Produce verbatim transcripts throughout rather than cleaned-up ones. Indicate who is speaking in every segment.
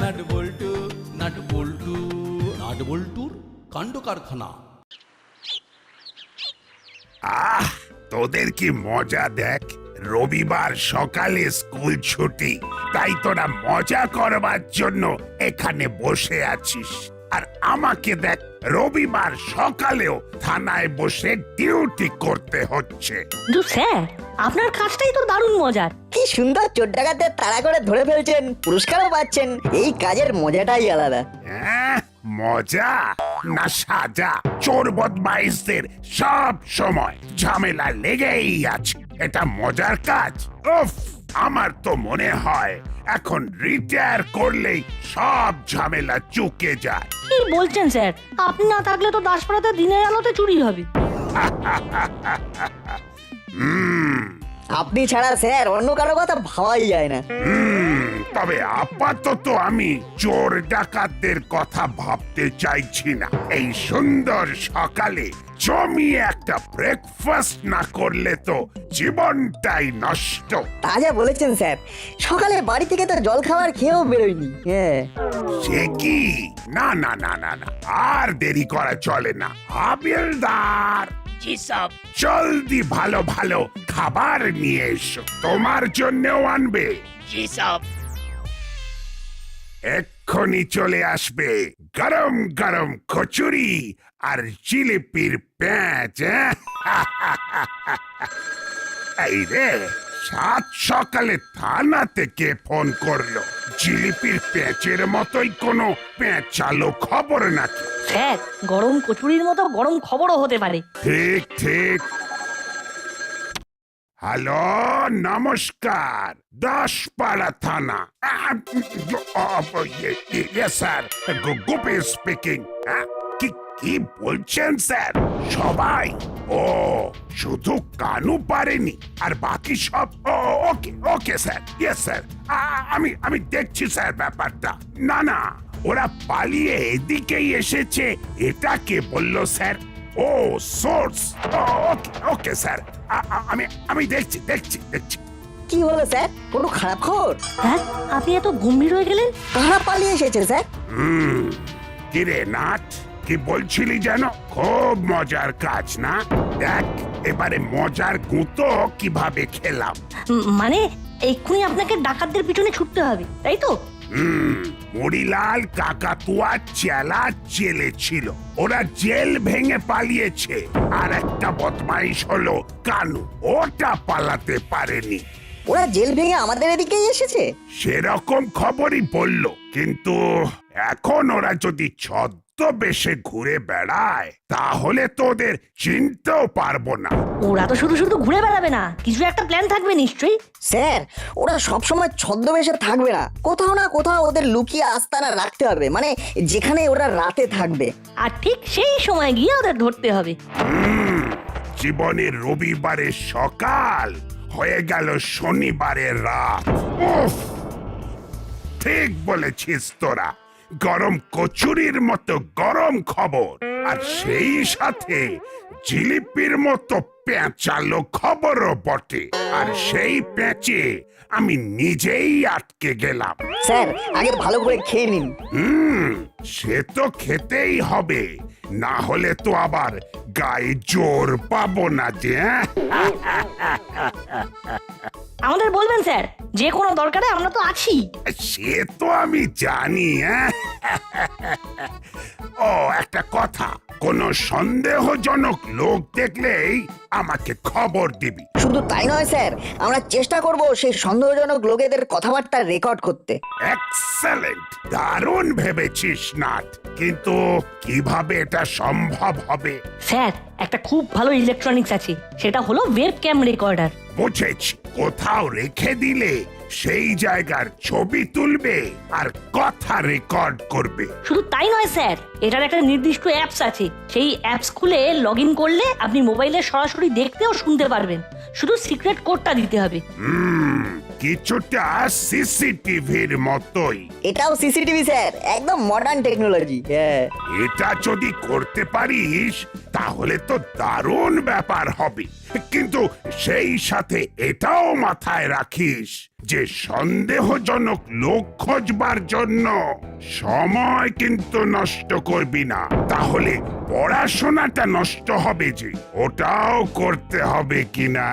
Speaker 1: Nut bolt nut bolt nut বল্টুর কাণ্ড কারখানা।
Speaker 2: আহ, তোদের কি মজা দেখ। রবিবার সকালে স্কুল ছুটি, তাই তোরা মজা করবার জন্য এখানে বসে আছিস। আর আমাকে দেখ, রবিবার সকালেও থানায় বসে ডিউটি করতে হচ্ছে।
Speaker 3: কিন্তু স্যার, আপনার কাজটাই তো দারুণ মজার।
Speaker 4: কি সুন্দর চোর ডাকাতদের তাড়া করে ধরে ফেলছেন, পুরস্কারও পাচ্ছেন। এই কাজের মজাটাই আলাদা।
Speaker 2: হ্যাঁ, মজা না সাজা? চোর বদমাইশদের সব সময় ঝামেলা লেগেই আছে। এটা মজার কাজ? উফ, আমার তো মনে হয় এখন রিটায়ার করলেই সব ঝামেলা চুকে যায়।
Speaker 3: কি বলছেন স্যার? আপনি না থাকলে তো দাসপাড়াতে দিনের আলোতে চুরি হবে।
Speaker 2: হুম
Speaker 4: আপনি ছাড়া স্যার অন্য কারো কথা ভাবাই যায় না।
Speaker 2: হুম তবে আপাতত আমি চোর ডাকাতদের কথা ভাবতে চাইছি না। এই সুন্দর সকালে জমিয়ে একটা ব্রেকফাস্ট না করলে তো জীবনটাই নষ্ট।
Speaker 4: তা যা বলেছেন স্যার, সকালে বাড়ি থেকে তো জল খাবার খেয়েও বেরোয়নি। হ্যাঁ,
Speaker 2: সে কি? না না না না না, আর দেরি করা চলে না। হাবিলদার, জলদি ভালো ভালো খাবার নিয়ে এসো, তোমার জন্যও আনবে। এক্ষুনি চলে আসবে গরম গরম কচুরি আর জিলিপির প্যাঁচ। এই রে, সাত সকালে থানা থেকে ফোন করলো। জিলিপির প্যাঁচের মতোই কোনো প্যাঁচালো খবর নাকি?
Speaker 3: স্যার, গরম কচুরির মতো গরম খবরও হতে পারে।
Speaker 2: ঠিক ঠিক। হ্যালো, নমস্কার, দাসপাড়া থানা। Sir, Gopi speaking. কি কি বলছেন স্যার? সবাই? ও, শুধু কানু পারেনি, আর বাকি সব? Okay okay sir, yes sir, আমি আমি দেখছি স্যার ব্যাপারটা। না না, ওরা পালিয়ে এদিকেই এসেছে, এটা কে বললো স্যার? ও, সোর্স। ওকে ওকে স্যার, আমি আমি দেখছি দেখছি দেখছি।
Speaker 4: কি হলো স্যার? কোনো খারাপ খবর?
Speaker 3: স্যার, আপনি এত গম্ভীর হয়ে গেলেন।
Speaker 4: কারা পালিয়ে এসেছে স্যার?
Speaker 2: হুম কিরে নাট, কি বলছিলি যেন? খুব মজার কাজ না? দেখ এবারে মজার গুঁতো কিভাবে খেলাম।
Speaker 3: উম, মানে এক্ষুনি আপনাকে ডাকাতদের পিছনে ছুটতে হবে, তাই তো?
Speaker 2: হুম মরিলাল কাকাতুয়া চেলা জেলে ছিল, ওরা জেল ভেঙে পালিয়েছে। আর একটা বদমাইশ হলো কানু, ওটা পালাতে পারেনি।
Speaker 4: ওরা জেল ভেঙে আমাদের এদিকেই এসেছে?
Speaker 2: সেরকম খবরই বললো, কিন্তু এখন ওরা যদি ছদ্মবেশে ঘুরে বেড়ায় তাহলে তো ওদের চিনতেও পারবো না।
Speaker 3: ওরা তো শুধু শুধু ঘুরে বেড়াবে না, কিছু একটা প্ল্যান থাকবে নিশ্চয়ই।
Speaker 4: স্যার, ওরা সবসময় ছদ্মবেশে থাকবে না, কোথাও না কোথাও ওদের লুকিয়ে আস্তানা রাখতে হবে, মানে যেখানে ওরা রাতে থাকবে।
Speaker 3: আর ঠিক সেই সময় গিয়ে ওদের ধরতে হবে।
Speaker 2: হুম জীবনের রবিবারের সকাল হয়ে গেল শনিবারের রাত। উফ, ঠিক বলেছিস তোরা, গরম কচুরির মতো গরম খবর, আর সেই সাথে জিলিপির মতো পেঁচালো খবরও বটে। আর সেই পেঁচে আমি নিজেই আটকে গেলাম।
Speaker 4: স্যার, আগে ভালো করে খেয়ে নিন।
Speaker 2: হুম সে তো খেতেই হবে, না হলে তো আবার গায়ে জোর পাবো না যে।
Speaker 3: আমাদের বলবেন স্যার, যে কোনো দরকারে আমরা তো আছি।
Speaker 2: সে তো আমি জানি। হ্যাঁ, ও একটা কথা, কোন সন্দেহজনক লোক দেখলেই আমাকে খবর দিবি।
Speaker 4: শুধু তাই নয় স্যার, আমরা চেষ্টা করব সেই সন্দেহজনক লোকেদের কথাবার্তা রেকর্ড করতে।
Speaker 2: এক্সেলেন্ট, দারুণ ভেবেছিস নাট, কিন্তু কিভাবে এটা সম্ভব হবে?
Speaker 3: স্যার, একটা খুব ভালো ইলেকট্রনিক্স আছে, সেটা হলো ওয়েব ক্যাম রেকর্ডার।
Speaker 2: বুঝেছি, কোথাও রেখে দিলে সেই জায়গার ছবি তুলবে আর কথা রেকর্ড করবে।
Speaker 3: শুধু তাই নয় স্যার, এটার একটা নির্দিষ্ট অ্যাপস আছে, সেই অ্যাপস খুলে লগ ইন করলে আপনি মোবাইলে সরাসরি দেখতে ও শুনতে পারবেন, শুধু সিক্রেট কোডটা দিতে হবে।
Speaker 2: হুম কিছুটা সিসিটিভির মতোই।
Speaker 4: এটাও সিসিটিভি স্যার, একদম মডার্ন টেকনোলজি। হ্যাঁ,
Speaker 2: এটা যদি করতে পারিস তাহলে তো দারুণ ব্যাপার হবে। কিন্তু সেই সাথে এটাও মাথায় রাখিস যে সন্দেহজনক লোক খোঁজবার জন্য সময় কিন্তু নষ্ট করবি না, তাহলে পড়াশোনাটা নষ্ট হবে যে, ওটাও করতে হবে কিনা।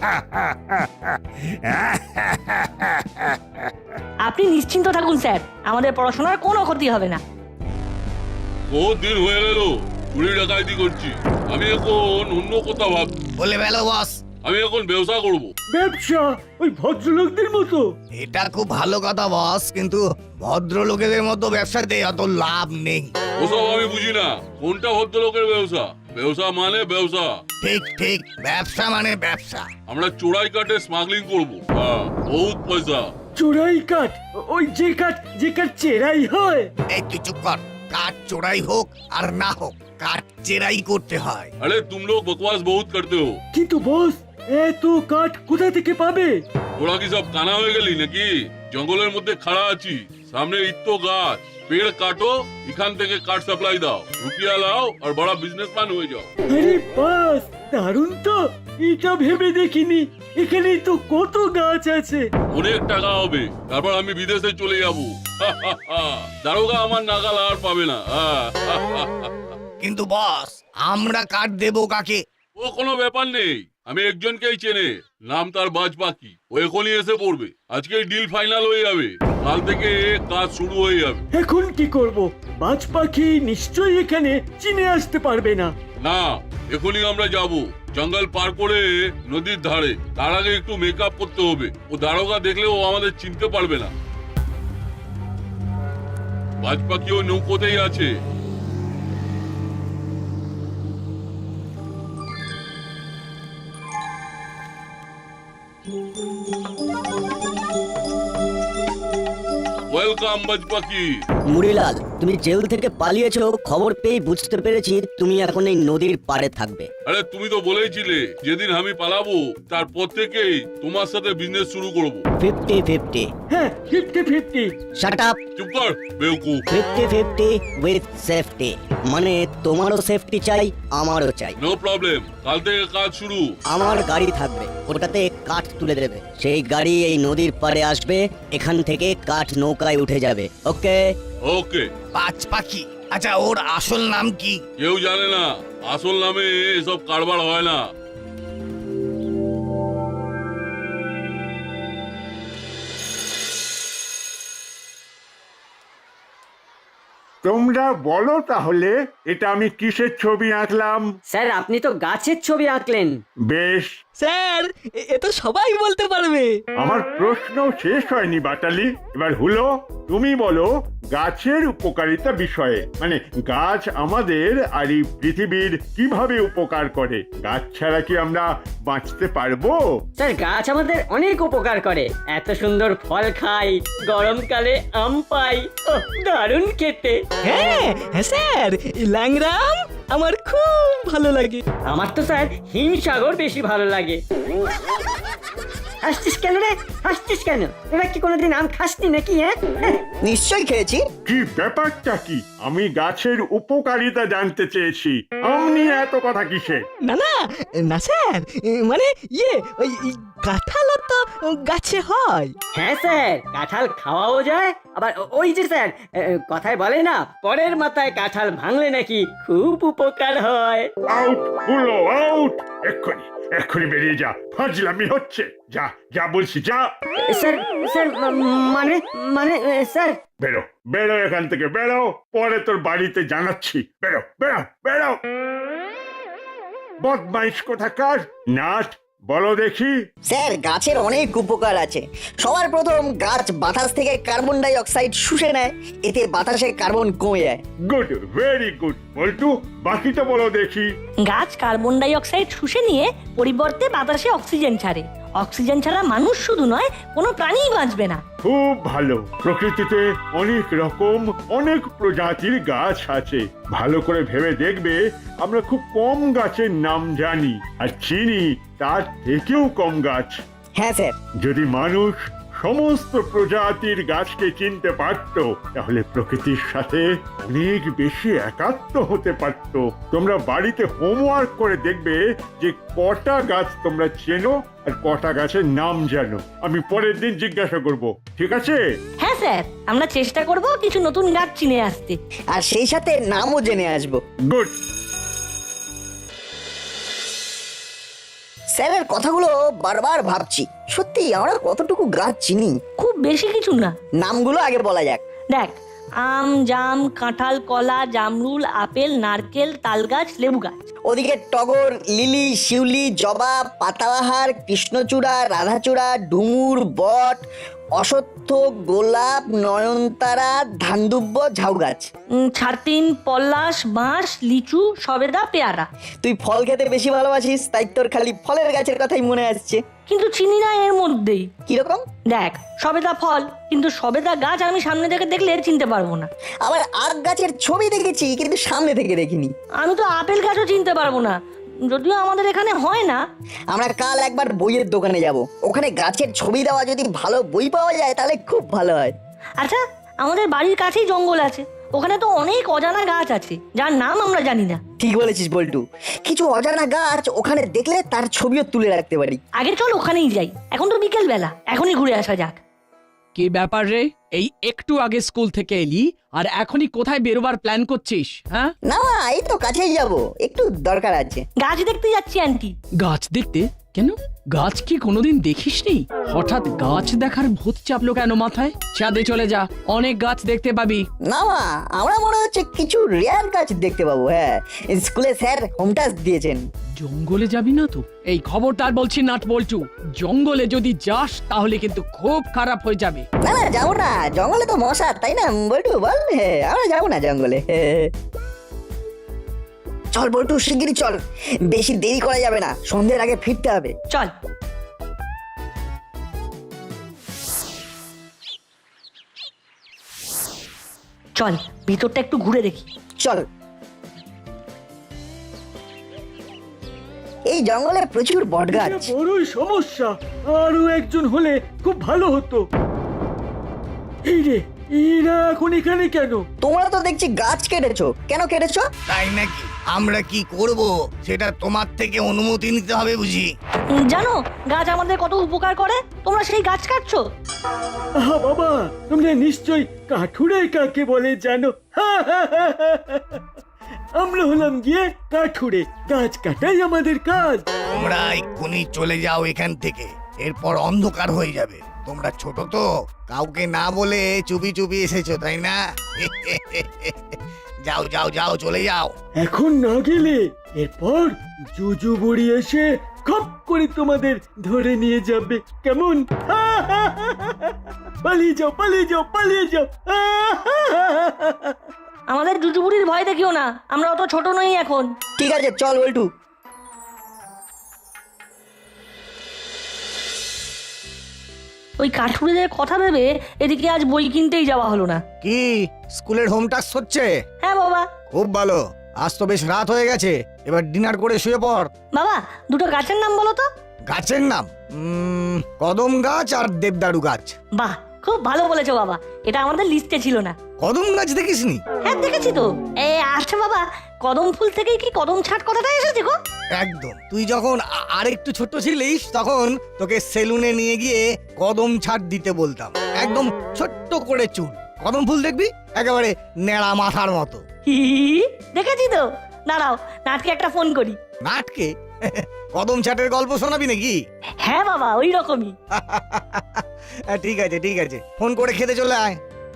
Speaker 3: আপনি নিশ্চিন্ত থাকুন স্যার, আমাদের পড়াশোনার কোনো ক্ষতি হবে না।
Speaker 5: বহুত দিন হয়ে গেল চুরি ডাকাইতি করছি, আমি এখন অন্য কোথাও ভাব
Speaker 6: বলে বেলো বস,
Speaker 5: আমি এখন ব্যবসা করব।
Speaker 7: ব্যবসা ওই ভদ্রলোকদের মতো?
Speaker 6: এটা খুব ভালো কথা বস, কিন্তু ভদ্রলোকেদের মতো ব্যবসাতে অত লাভ নেই।
Speaker 5: ওসব আমি বুঝি না, কোনটা ভদ্রলোকের ব্যবসা? ব্যবসা মানে ব্যবসা।
Speaker 6: ঠিক ঠিক, ব্যবসা মানে ব্যবসা।
Speaker 5: আমরা চোরাই কাটে স্মাগলিং করব, হ্যাঁ বহুত পয়সা।
Speaker 7: চোরাই কাঠ? ওই যে কাঠ যে কাঠ চেরাই হয়?
Speaker 6: এই তুই চুপ কর, কাঠ চোরাই হোক আর না হোক কাঠ চেরাই করতে হয়।
Speaker 5: আরে তুম লোগ বকওয়াস বহুত করতে হো।
Speaker 7: কিন্তু বস, এত কাঠ কোথা থেকে পাবে?
Speaker 5: তোরা কি সব কানা হয়ে গেলি নাকি? জঙ্গলের মধ্যে খাড়া আছি, সামনে ইত্তো গাছ, পেড় কাটো, এখান থেকে কাঠ সাপ্লাই দাও, রুপিয়া লাও আর বড় বিজনেসম্যান হয়ে যাও।
Speaker 7: আরে বাস, দারুণ তো, এটা ভেবে দেখিনি। এখানেই তো কত গাছ আছে।
Speaker 5: অনেক টাকা হবে, তারপর আমি বিদেশে চলে যাব। দারোগা আমার নাগাল আর পাবে না।
Speaker 6: কিন্তু বস, আমরা কাঠ দেবো কাকে?
Speaker 5: ও কোনো ব্যাপার নেই, আমি একজনকেই চেনে, নাম তার বাজ পাখি, ও এখনই এসে পড়বে। আজকেই ডিল ফাইনাল হয়ে যাবে, কাল থেকে কাজ শুরু হয়ে যাবে।
Speaker 7: এখন কি করব? বাজ পাখি নিশ্চয়ই এখানে চিনে আসতে পারবে না।
Speaker 5: না, এখনই আমরা যাব জঙ্গল পার করে নদীর ধারে। তার আগে একটু মেকআপ করতে হবে, ও দারোগা দেখলে ও আমাদের চিনতে পারবে না। বাজ পাখি ও নৌকোতেই আছে। ওয়েলকাম বাজ পাখি।
Speaker 8: মুড়িলাল, তুমি জেল থেকে পালিয়েছো খবর পেয়ে বুঝতে পেরেছি তুমি এখন এই নদীর পাড়ে থাকবে।
Speaker 5: আরে তুমি তো বলেইছিলে যেদিন আমি পালাবো তারপর থেকেই তোমার সাথে বিজনেস শুরু করব।
Speaker 8: Fifty fifty.
Speaker 7: হ্যাঁ, ফিফটি ফিফটি।
Speaker 8: Shut up.
Speaker 5: চুপ কর বেউকুফ।
Speaker 8: ফিফটি ফিফটি উইথ সেফটি, মানে তোমারও সেফটি চাই আমারও চাই।
Speaker 5: নো প্রবলেম, কাল থেকে কাজ শুরু।
Speaker 8: আমার গাড়ি থাকবে, ওটাতে কাঠ তুলে দেবে, সেই গাড়ি এই নদীর পাড়ে আসবে, এখান থেকে কাঠ নৌকায় উঠে যাবে। ওকে
Speaker 5: ওকে।
Speaker 6: বাজ পাখি, আচ্ছা ওর আসল নাম কি?
Speaker 5: কেউ জানে না, আসল নামে এসব কারবার হয় না।
Speaker 9: তোমরা বলো তাহলে এটা আমি কিসের ছবি আঁকলাম?
Speaker 10: স্যার, আপনি তো গাছের ছবি আঁকলেন।
Speaker 9: বেশ,
Speaker 10: স্যার, এ তো সবাই বলতে পারবে।
Speaker 9: আমার প্রশ্ন শেষ হয়নি বাটালি, এবার হলো তুমি বলো গাছের উপকারিতা বিষয়ে, মানে গাছ আমাদের আর এই পৃথিবীর কিভাবে উপকার করে। গাছ ছাড়া কি আমরা বাঁচতে পারবো?
Speaker 10: স্যার, গাছ আমাদের অনেক উপকার করে, এত সুন্দর ফল খাই, গরমকালে আম পাই, ওহ, দারুণ খেতে।
Speaker 11: হ্যাঁ হ্যাঁ স্যার, ল্যাংরাম আমার খুব ভালো লাগে।
Speaker 10: আমার তো স্যার হিমসাগর বেশি ভালো লাগে। হাসছিস কেন রে? হাসছিস কেন? তোরা কি কোনোদিন আম খাসনি নাকি? হ্যাঁ,
Speaker 4: নিশ্চয়ই খেয়েছি।
Speaker 9: কি ব্যাপারটা কি? আমি গাছের উপকারিতা জানতে চেয়েছি, আম নিয়ে এত কথা কিসে?
Speaker 11: না না না স্যার, মানে ইয়ে ওই কাঁঠালও তো গাছে হয়।
Speaker 10: হ্যাঁ স্যার, কাঁঠাল খাওয়াও যায়, আবার ওই যে স্যার কথায় বলে না, পরের মাথায় কাঁঠাল ভাঙলে নাকি খুব উপকার হয়।
Speaker 9: আউট হলো, আউট! এক্ষুনি এক্ষুনি বেরিয়ে যা, ফাজলামি হচ্ছে। যা যা বলছি, যা।
Speaker 10: স্যার স্যার মানে মানে স্যার।
Speaker 9: বেরো বেরো এখান থেকে, বেরো, পরে তোর বাড়িতে জানাচ্ছি। বেরো বেরো বেরো, বদমাইশ কোথাকার। নাট, বলো দেখি।
Speaker 4: স্যার, গাছের অনেক উপকার আছে। সবার প্রথম গাছ বাতাস থেকে কার্বন ডাই অক্সাইড শুষে নেয়, এতে বাতাসে কার্বন কমে যায়।
Speaker 9: Good, very good. বল্টু, বাকিটা বলো দেখি।
Speaker 3: গাছ কার্বন ডাই অক্সাইড শুষে নিয়ে পরিবর্তে বাতাসে অক্সিজেন ছাড়ে। অক্সিজেন ছাড়া মানুষ শুধু নয়, কোনো প্রাণীই বাঁচবে না।
Speaker 9: খুব ভালো। প্রকৃতিতে অনেক রকম অনেক প্রজাতির গাছ আছে। ভালো করে ভেবে দেখবে, আমরা খুব কম গাছের নাম জানি আর চিনি তার থেকেও কম গাছ।
Speaker 4: হ্যাঁ স্যার।
Speaker 9: যদি মানুষ সমস্ত প্রজাতির গাছকে চিনতে পারত, তাহলে প্রকৃতির সাথে অনেক বেশি একাত্ম হতে পারত। তোমরা বাড়িতে হোমওয়ার্ক করে দেখবে যে কটা গাছ তোমরা চেনো আর কটা গাছের নাম জানো। আমি পরের দিন জিজ্ঞাসা করব, ঠিক আছে?
Speaker 3: হ্যাঁ স্যার, আমরা চেষ্টা করব কিছু নতুন গাছ চিনে আসতে।
Speaker 4: আর সেই সাথে নামও জেনে আসবো।
Speaker 9: গুড।
Speaker 4: স্যারের কথাগুলো বারবার ভাবছি, সত্যি আমরা কতটুকু গাছ চিনি।
Speaker 3: খুব বেশি কিছু না।
Speaker 4: নামগুলো আগে বলা যাক।
Speaker 3: দেখ, আম, জাম, কাঁঠাল, কলা, জামরুল, আপেল, নারকেল, তালগাছ, লেবু গাছ।
Speaker 4: ওদিকে টগর, লিলি, শিউলি, জবা, পাতাবাহার, কৃষ্ণচূড়া, রাধাচূড়া, ডুমুর, বট, অশ্বত্থ, গোলাপ, নয়নতারা, ধানদুব্য, ঝাউ গাছ।
Speaker 3: উম, ছাতিন, পলাশ, বাঁশ, লিচু, সবেদা, পেয়ারা।
Speaker 4: তুই ফল খেতে বেশি ভালোবাসিস, তাই তোর খালি ফলের গাছের কথাই মনে আসছে।
Speaker 3: কিন্তু চিনি না এর মধ্যেই।
Speaker 4: কিরকম?
Speaker 3: দেখ, সবেদা ফল, কিন্তু সবেদা গাছ আমি সামনে থেকে দেখলে চিনতে পারবো না।
Speaker 4: আবার আখ গাছের ছবি দেখেছি, কিন্তু সামনে থেকে দেখিনি।
Speaker 3: আমি তো আপেল গাছও চিনতে পারবো না, যদিও আমাদের এখানে হয় না।
Speaker 4: আমরা কাল একবার বইয়ের দোকানে যাব, ওখানে গাছের ছবি দেওয়া যদি ভালো বই পাওয়া যায় তাহলে খুব ভালো হয়।
Speaker 3: আচ্ছা, আমাদের বাড়ির কাছেই জঙ্গল আছে, ওখানে তো অনেক অজানা গাছ আছে যার নাম আমরা জানি না।
Speaker 4: ঠিক বলেছিস বল্টু, কিছু অজানা গাছ ওখানে দেখলে তার ছবিও তুলে রাখতে পারি।
Speaker 3: আগে চল ওখানেই যাই, এখন তো বিকেল বেলা, এখনই ঘুরে আসা যাক।
Speaker 12: কি ব্যাপার রে, এই একটু আগে স্কুল থেকে এলি আর এখনই কোথায় বেরোবার প্ল্যান করছিস? হ্যাঁ
Speaker 4: না, এই তো কাছেই যাব, একটু দরকার আছে।
Speaker 3: গাছ দেখতে যাচ্ছি আন্টি।
Speaker 12: গাছ দেখতে? কেন, গাছ কি কোনোদিন দেখিসনি? হঠাৎ গাছ দেখার ভূত চাপলো কেন মাথায়? চাঁদে চলে যা, অনেক গাছ দেখতে পাবি।
Speaker 4: না মা, আমরা মনে হচ্ছে কিছু রেয়ার গাছ দেখতে পাবো। হ্যাঁ, স্কুলে স্যার হোম টাস্ক দিয়েছেন।
Speaker 12: জঙ্গলে যাবি না তো? এই খবরদার বলছি নাট বলছু, জঙ্গলে যদি যাস তাহলে কিন্তু খুব খারাপ হয়ে যাবে।
Speaker 4: না না, যাবো না, জঙ্গলে তো মশা, তাই না বল্টু বল? হ্যাঁ, আমরা যাবো না জঙ্গলে। চল বল্টু, শিগগিরই চল, বেশি দেরি করা যাবে না, সন্ধ্যের আগে ফিরতে হবে।
Speaker 3: চল। চল, ভিতরটা একটু ঘুরে দেখি।
Speaker 4: চল। এই জঙ্গলে প্রচুর বট গাছ।
Speaker 7: এটা বড়ই সমস্যা, আরো একজন হলে খুব ভালো হতো। এই রে, এরা এখন এখানে কেন?
Speaker 4: তোমরা তো দেখছি গাছ কেটেছো, কেন কেটেছো?
Speaker 6: তাই নাকি? আমরা কি করব সেটা তোমার থেকে অনুমতি নিতে হবে বুঝি।
Speaker 3: উম, জানো গাছ আমাদের কত উপকার করে, তোমরা সেই গাছ কাটছো।
Speaker 7: আহা বাবা, তোমরা নিশ্চয়ই কাঠুরে কাকে বলে জানো। আমরা হলাম গিয়ে কাঠুরে, গাছ কাটাই আমাদের কাজ।
Speaker 6: তোমরা এক্ষুনি চলে যাও এখান থেকে, এরপর অন্ধকার হয়ে যাবে। তোমরা ছোট তো, কাউকে না বলে চুপি চুপি এসেছো তাই না? যাও যাও যাও, চলে যাও।
Speaker 7: এখন না গেলে এরপর জুজু বুড়ি এসে খপ করে তোমাদের ধরে নিয়ে যাবে। কেমন? পালিয়ে যাও, পালিয়ে যাও, পালিয়ে যাও।
Speaker 3: আমাদের জুজুবুড়ির ভয় দেখিও না, আমরা অত ছোট নই এখন।
Speaker 4: ঠিক আছে, চল বল্টু।
Speaker 3: ওই কাঠুরেদের কথা ভেবে এদিকে আজ বই কিনতেই যাওয়া হলো না।
Speaker 6: কি স্কুলের হোম টাস্ক হচ্ছে?
Speaker 3: হ্যাঁ বাবা।
Speaker 6: খুব ভালো, আজ তো বেশ রাত হয়ে গেছে, এবার ডিনার করে শুয়ে পড়।
Speaker 3: বাবা, দুটো গাছের নাম বলো তো।
Speaker 6: গাছের নাম? উম, কদম গাছ আর দেবদারু গাছ।
Speaker 3: বাহ, খুব ভালো বলেছো বাবা, এটা আমাদের লিস্টে ছিল না।
Speaker 6: কদম গাছ দেখিসনি?
Speaker 3: হ্যাঁ দেখেছি তো। এ আচ্ছা বাবা, কদম ফুল থেকেই কি কদম ছাট কথাটা এসেছে গো?
Speaker 6: একদম, তুই যখন আ- আরেকটু ছোট ছিলিস তখন তোকে সেলুনে নিয়ে গিয়ে কদম ছাট দিতে বলতাম। একদম ছোট্ট করে চুল, কদম ফুল দেখবি একেবারে নেড়া মাথার মতো।
Speaker 3: হি, দেখেছি তো। দাঁড়াও, নাটকে একটা ফোন করি।
Speaker 6: নাটকে? কদম ছাটের গল্প শোনাবি নাকি?
Speaker 3: হ্যাঁ বাবা, ওই রকমই।
Speaker 6: ঠিক আছে ঠিক আছে, ফোন করে খেতে চলে আয়।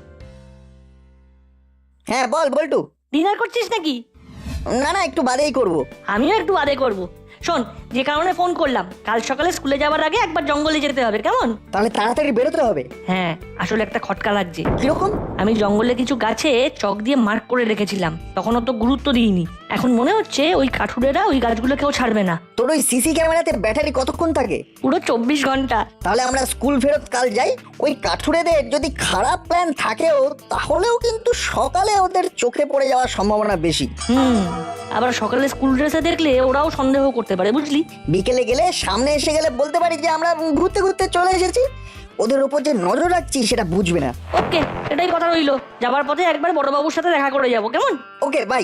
Speaker 4: হ্যাঁ বল বল্টু।
Speaker 3: ডিনার করছিস নাকি?
Speaker 4: না না, একটু বাদেই করব।
Speaker 3: আমিও একটু বাদে করব। শোন, যে কারণে ফোন করলাম, কাল সকালে স্কুলে যাওয়ার আগে একবার জঙ্গলে যেতে হবে, কেমন?
Speaker 4: তাহলে তাড়াতাড়ি বেরোতে হবে।
Speaker 3: হ্যাঁ, আসলে একটা খটকা লাগছে।
Speaker 4: কিরকম?
Speaker 3: আমি জঙ্গলে কিছু গাছে চক দিয়ে মার্ক করে রেখেছিলাম, তখন অত গুরুত্ব দিইনি। এখন মনে হচ্ছে ওই কাঠুরেরা ওই গাছগুলো কেউ ছাড়বে না।
Speaker 4: তোর ওই সিসি ক্যামেরাতে ব্যাটারি কতক্ষণ থাকে?
Speaker 3: পুরো চব্বিশ ঘন্টা।
Speaker 4: তাহলে আমরা স্কুল ফেরত কাল যাই, ওই কাঠুরেদের যদি খারাপ প্ল্যান থাকেও তাহলেও কিন্তু সকালে ওদের চোখে পড়ে যাওয়ার সম্ভাবনা বেশি।
Speaker 3: হুম, আবার সকালে স্কুল ড্রেসে দেখলে ওরাও সন্দেহ করতে পারে, বুঝলি?
Speaker 4: বিকেলে গেলে সামনে এসে গেলে বলতে পারি যে আমরা ঘুরতে ঘুরতে চলে এসেছি। ওদের উপর যে নজর রাখছি সেটা বুঝবে না।
Speaker 3: ওকে, এটাই কথা রইলো। যাবার পথে একবার বড়বাবুর সাথে দেখা করে যাব, কেমন?
Speaker 4: Okay bye.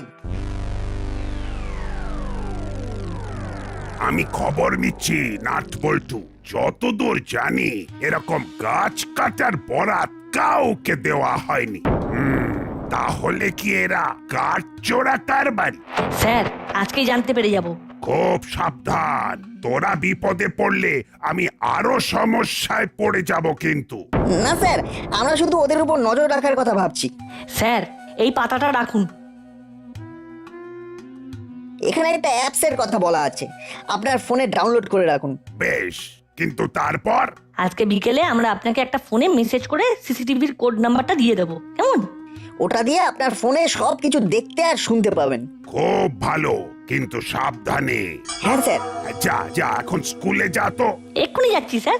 Speaker 2: আমি খবর নিচ্ছি নাট বল্টু, যতদূর জানি এরকম গাছ কাটার বরাত কাউকে দেওয়া হয়নি। হুম, তাহলে কি এরা কাঠ চোরা কারবারি?
Speaker 3: স্যার, আজকেই জানতে পেরে যাব।
Speaker 2: খুব সাবধান, তোরা বিপদে পড়লে আমি আরো সমস্যায় পড়ে যাব কিন্তু।
Speaker 4: না স্যার, আমরা শুধু ওদের উপর নজর রাখার কথা ভাবছি।
Speaker 3: স্যার, এই পাতাটা রাখুন।
Speaker 4: এখানে একটা অ্যাপসের কথা বলা আছে, আপনার ফোনে ডাউনলোড করে রাখুন।
Speaker 2: বেশ, কিন্তু তারপর?
Speaker 3: আজকে বিকেলে আমরা আপনাকে একটা ফোনে মেসেজ করে সিসিটিভির কোড নাম্বারটা দিয়ে দেবো, কেমন?
Speaker 4: ওটা দিয়ে আপনার ফোনে সব কিছু দেখতে আর শুনতে পাবেন।
Speaker 2: খুব ভালো, কিন্তু সাবধানে।
Speaker 4: হ্যাঁ স্যার।
Speaker 2: যা যা, এখন স্কুলে যা তো।
Speaker 3: এক্ষুনি যাচ্ছি স্যার।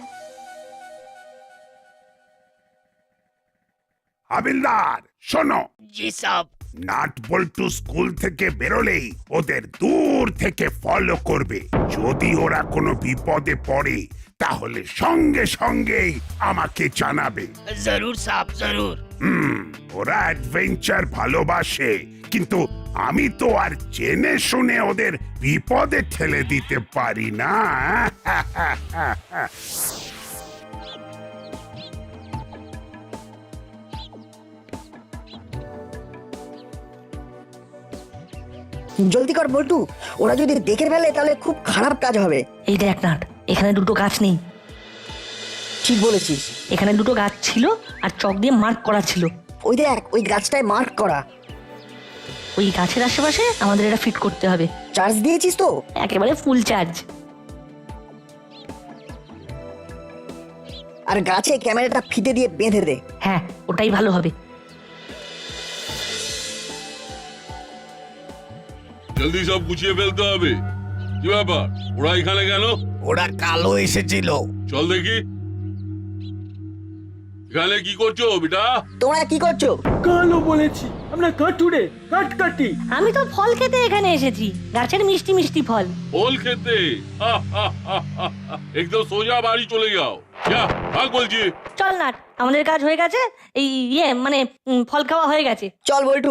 Speaker 2: হাবিলদার শোনো।
Speaker 8: জি সাব।
Speaker 2: নাট বল্টু স্কুল থেকে বেরোলেই ওদের দূর থেকে ফলো করবে। যদি ওরা কোনো বিপদে পড়ে তাহলে সঙ্গে সঙ্গেই আমাকে জানাবে।
Speaker 8: জরুর সাব, জরুর।
Speaker 2: হুম, ওরা অ্যাডভেঞ্চার ভালোবাসে, কিন্তু আমি তো আর জেনে শুনে ওদের বিপদে ঠেলে দিতে পারি না।
Speaker 4: জলদি কর বল্টু, ওরা যদি দেখে ফেলে তাহলে খুব খারাপ কাজ হবে।
Speaker 3: এই দেখ নাট, এখানে দুটো গাছ নেই।
Speaker 4: ঠিক বলেছিস।
Speaker 3: এখানে দুটো গাছ ছিল আর চক দিয়ে মার্ক করা ছিল।
Speaker 4: ওই দেখ, ওই গাছটায় মার্ক করা।
Speaker 3: ওই গাছের আশেপাশে আমাদের এটা ফিট করতে হবে।
Speaker 4: চার্জ দিয়েছিস তো?
Speaker 3: একেবারে ফুল চার্জ।
Speaker 4: আর গাছে ক্যামেরাটা ফিতে দিয়ে বেঁধে দে।
Speaker 3: হ্যাঁ, ওটাই ভালো হবে।
Speaker 5: জলদি সব গুছিয়ে ফেলতে হবে। কি ব্যাপার, ওরা এখানে কেন?
Speaker 6: ওরা কালো এসেছিল।
Speaker 5: চল দেখি। এখানে কি করছো বেটা?
Speaker 4: তোমরা কি করছো?
Speaker 7: কালো বলেছি, আমরা কাঠুরে কাঠ কাটি।
Speaker 3: আমি তো ফল খেতে এখানে এসেছি, গাছের মিষ্টি মিষ্টি ফল।
Speaker 5: ফল খেতে? একদম সোজা বাড়ি চলে যাও। যা, ভাগ বলছি।
Speaker 3: চল নাট, আমাদের কাজ হয়ে গেছে। এই ইয়ে মানে উম, ফল খাওয়া হয়ে গেছে।
Speaker 4: চল বল্টু।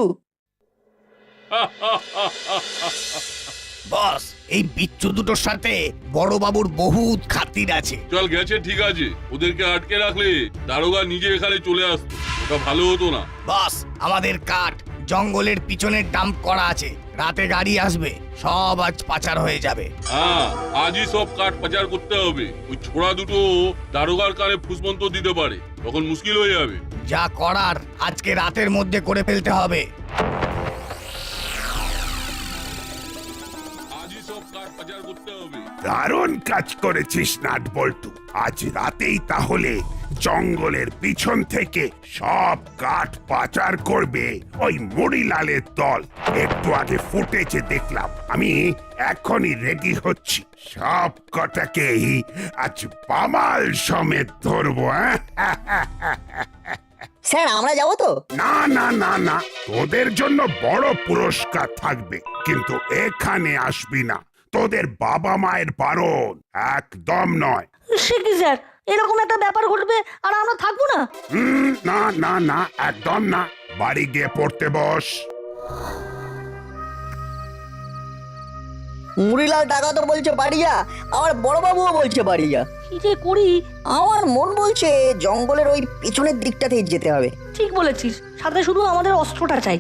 Speaker 6: বস, এই বিচ্ছু দুটোর সাথে বড় বাবুর বহুত খাতির আছে।
Speaker 5: চল, গেছে ঠিক আছে, ওদেরকে আটকে রাখলে দারোগা নিজে এখানে চলে আসতো, ওটা ভালো হতো না?
Speaker 6: বস, আমাদের কাঠ জঙ্গলের পিছনে ডাম্প করা আছে, রাতে গাড়ি আসবে, সব আজ পাচার হয়ে যাবে।
Speaker 5: হ্যাঁ, আজই সব কাঠ পাচার করতে হবে। ওই ছোড়া দুটো দারোগার কানে ফুসমন্ত দিতে পারে, তখন মুশকিল হয়ে যাবে।
Speaker 6: যা করার আজকে রাতের মধ্যে করে ফেলতে হবে।
Speaker 5: আজই সব কাঠ পাচার করতে হবে।
Speaker 2: দারুণ কাজ করেছিস নাট বল্টু। আজ রাতেই তাহলে জঙ্গলের পিছন থেকে সব কাঠ পাচার করবে ওই মুড়িলালের দল। একটু আগে ফুটেজে দেখলাম, আমি এখনই রেডি হচ্ছি। সব কটাকেই আজ পামাল সমেত ধরবো। হ্যাঁ,
Speaker 4: স্যার, আমরা যাবো তো?
Speaker 2: না না না না, তোদের জন্য বড় পুরস্কার থাকবে, কিন্তু এখানে আসবি না। তোদের বাবা মায়ের বারণ, একদম নয়।
Speaker 3: সে কি স্যার, এরকম একটা ব্যাপার ঘটবে আর আমরা থাকবো না?
Speaker 2: হুম, না না না, একদম না। বাড়ি গিয়ে পড়তে বস।
Speaker 4: মুড়িলাল টাকা তো বলছে বাড়ি যা, আমার বড়বাবুও বলছে বাড়ি যা।
Speaker 3: কি যে করি?
Speaker 4: আমার মন বলছে জঙ্গলের ওই পিছনের দিকটাতেই যেতে হবে।
Speaker 3: ঠিক বলেছিস, সাথে শুধু আমাদের অস্ত্রটা চাই।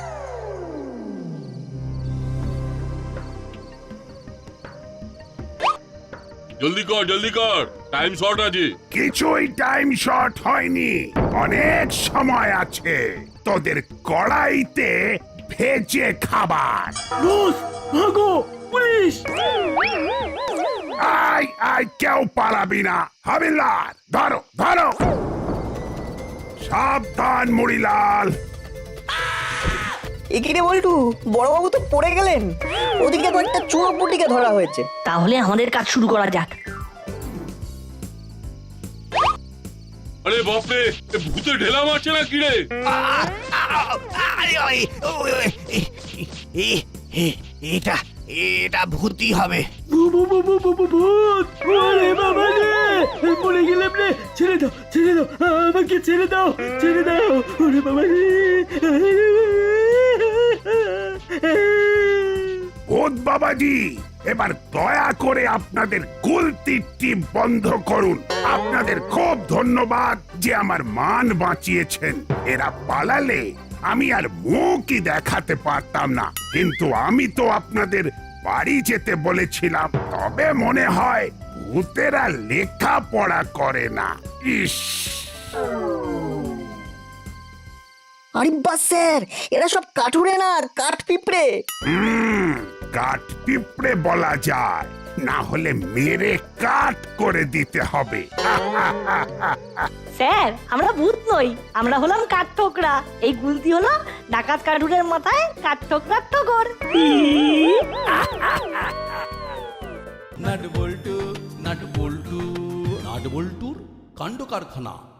Speaker 5: জলদি কর, জলদি কর, টাইম শর্ট আছে।
Speaker 2: কিছুই টাইম শর্ট হয়নি, অনেক সময় আছে। তোদের কড়াইতে ভেজে খাবার।
Speaker 7: বস, ভাগো, পুলিশ!
Speaker 2: আয় আয়, কেউ পালাবি না। হাবিলদার, ধরো ধরো। সাবধান মুড়িলাল।
Speaker 4: এখানে বল্টু, বড়বাবু তো পড়ে গেলেন। ওদিকে কয়েকটা চুনোপুটিকে ধরা হয়েছে।
Speaker 3: তাহলে আমাদের কাজ শুরু করা যাক।
Speaker 5: আরে বাপরে, এ ভূতে ঢেলা মারছে না কি রে?
Speaker 6: এটা এটা ভূতি হবে।
Speaker 7: ভূত! আরে বাবা রে! পড়ে গেলাম রে! ছেড়ে দাও, ছেড়ে আমাকে ছেড়ে দাও ছেড়ে দাও ওরে বাবা রে
Speaker 2: ভূত বাবাজি, এবার দয়া করে আপনাদের গুলতির টিপ বন্ধ করুন। আপনাদের খুব ধন্যবাদ যে আমার মান বাঁচিয়েছেন। এরা পালালে আমি আর মুখই দেখাতে পারতাম না, কিন্তু আমি তো আপনাদের বাড়ি যেতে বলেছিলাম। তবে মনে হয় ভূতেরা লেখাপড়া করে না। ইস,
Speaker 4: আরে বাস স্যার, এরা সব কাঠুরে না, কাঠ পিঁপড়ে।
Speaker 2: হুম, কাঠ পিঁপড়ে বলা যায়, না হলে মেরে কাঠ করে দিতে হবে।
Speaker 3: স্যার আমরা ভূত নই, আমরা হলাম কাঠঠোকরা। এই গুলতি হলো ডাকাত কাঠুরের মাথায় কাঠঠোকরার ঠোকর।
Speaker 1: Nut bolt nut bolt nut বল্টুর কাণ্ড কারখানা।